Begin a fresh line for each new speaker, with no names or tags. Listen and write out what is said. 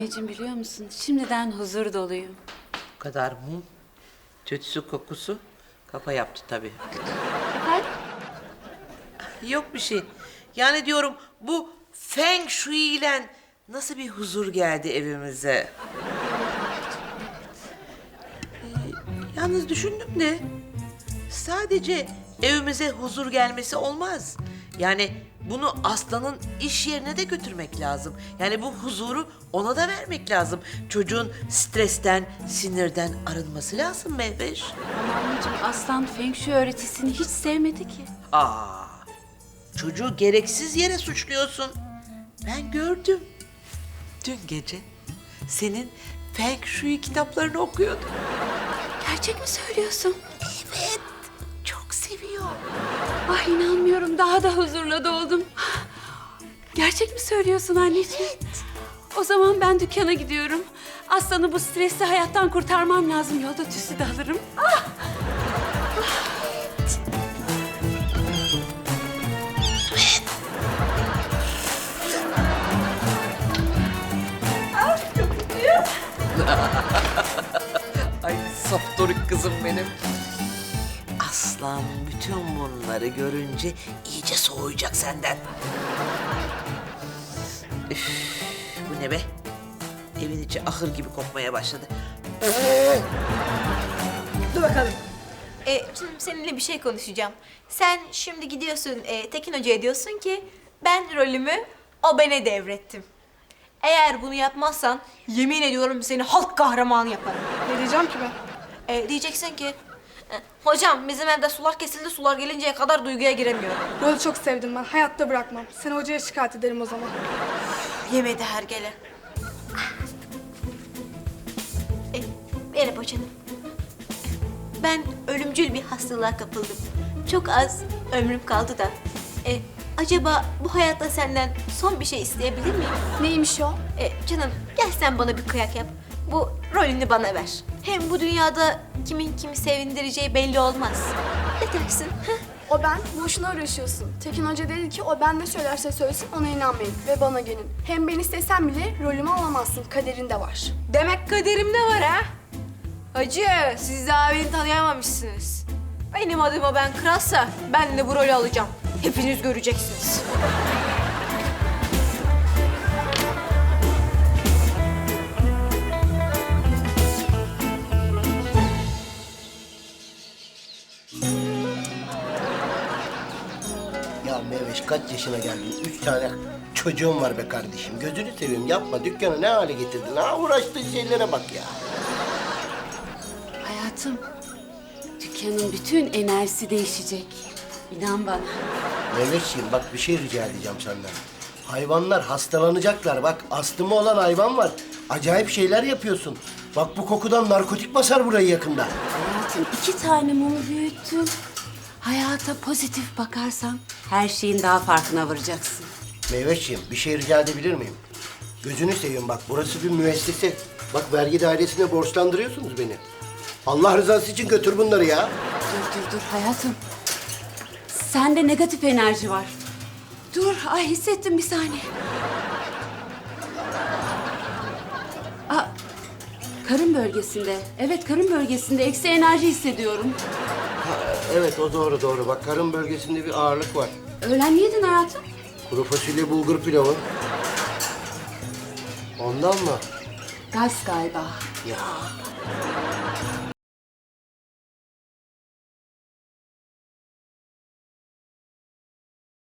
Anneciğim biliyor musun? Şimdiden huzur doluyum.
Bu kadar mum, tütsü kokusu kafa yaptı tabii.
Efendim?
Yok bir şey. Yani diyorum bu Feng Shui ile nasıl bir huzur geldi evimize. Yalnız düşündüm de sadece evimize huzur gelmesi olmaz. Yani bunu Aslan'ın iş yerine de götürmek lazım. Yani bu huzuru ona da vermek lazım. Çocuğun stresten, sinirden arınması lazım Mehveş.
Ama anneciğim Aslan Feng Shui öğretisini hiç sevmedi ki.
Aa, çocuğu gereksiz yere suçluyorsun. Ben gördüm. Dün gece senin Feng Shui kitaplarını okuyordum.
Gerçek mi söylüyorsun?
Evet, çok seviyor.
Ah inanmıyorum daha da huzurla doldum. Gerçek mi söylüyorsun anneciğim?
Evet.
O zaman ben dükkana gidiyorum. Aslan'ı bu stresli hayattan kurtarmam lazım. Yolda tüsü de alırım. Ah!
Ay saftorik kızım benim. Aslan bütün bunları görünce iyice soğuyacak senden. Üf, bu ne be? Evin içi ahır gibi kokmaya başladı.
Dur bakalım. Şimdi seninle bir şey konuşacağım. Sen şimdi gidiyorsun Tekin Hoca'ya diyorsun ki ben rolümü o bana devrettim. Eğer bunu yapmazsan yemin ediyorum seni halk kahramanı yaparım.
Ne diyeceğim ki ben?
Diyeceksin ki hocam bizim evde sular kesildi, sular gelinceye kadar duyguya giremiyorum.
Rolü çok sevdim ben. Hayatta bırakmam. Seni hocaya şikayet ederim o zaman.
Yemedi hergele. Merhaba canım. Ben ölümcül bir hastalığa kapıldım. Çok az ömrüm kaldı da. Acaba bu hayatta senden son bir şey isteyebilir miyim?
Neymiş o?
Canım gel sen bana bir kıyak yap. Bu rolünü bana ver. Hem bu dünyada kimin kimi sevindireceği belli olmaz. Ne dersin? Heh?
O ben. Boşuna uğraşıyorsun. Tekin Hoca dedi ki o ben ne söylerse söylesin ona inanmayın ve bana gelin. Hem ben istesem bile rolümü alamazsın. Kaderinde var.
Demek kaderimde var ha? Hacı, siz daha beni tanıyamamışsınız. Benim adıma ben kralsa ben de bu rolü alacağım. Hepiniz göreceksiniz.
Ya Mehveş kaç yaşına geldin? 3 tane çocuğum var be kardeşim. Gözünü seveyim yapma. Dükkanı ne hale getirdin? Ha uğraştığın şeylere bak ya.
Hayatım, dükkanın bütün enerjisi değişecek. İnan bana.
Mehveşciğim bak bir şey rica edeceğim senden. Hayvanlar hastalanacaklar. Bak astımı olan hayvan var. Acayip şeyler yapıyorsun. Bak bu kokudan narkotik basar burayı yakında.
Hayatım 2 tane mumu büyüttüm. Hayata pozitif bakarsan her şeyin daha farkına varacaksın.
Meyveşciğim bir şey rica edebilir miyim? Gözünü seveyim bak burası bir müessese. Bak vergi dairesine borçlandırıyorsunuz beni. Allah rızası için götür bunları ya.
Dur hayatım. Sende negatif enerji var. Dur ay hissettim bir saniye. Aa, karın bölgesinde. Evet karın bölgesinde eksi enerji hissediyorum.
Evet o doğru. Bak karın bölgesinde bir ağırlık var.
Öğlen ne yedin hayatım?
Kuru fasulye bulgur pilavı. Ondan mı?
Gaz galiba.
Ya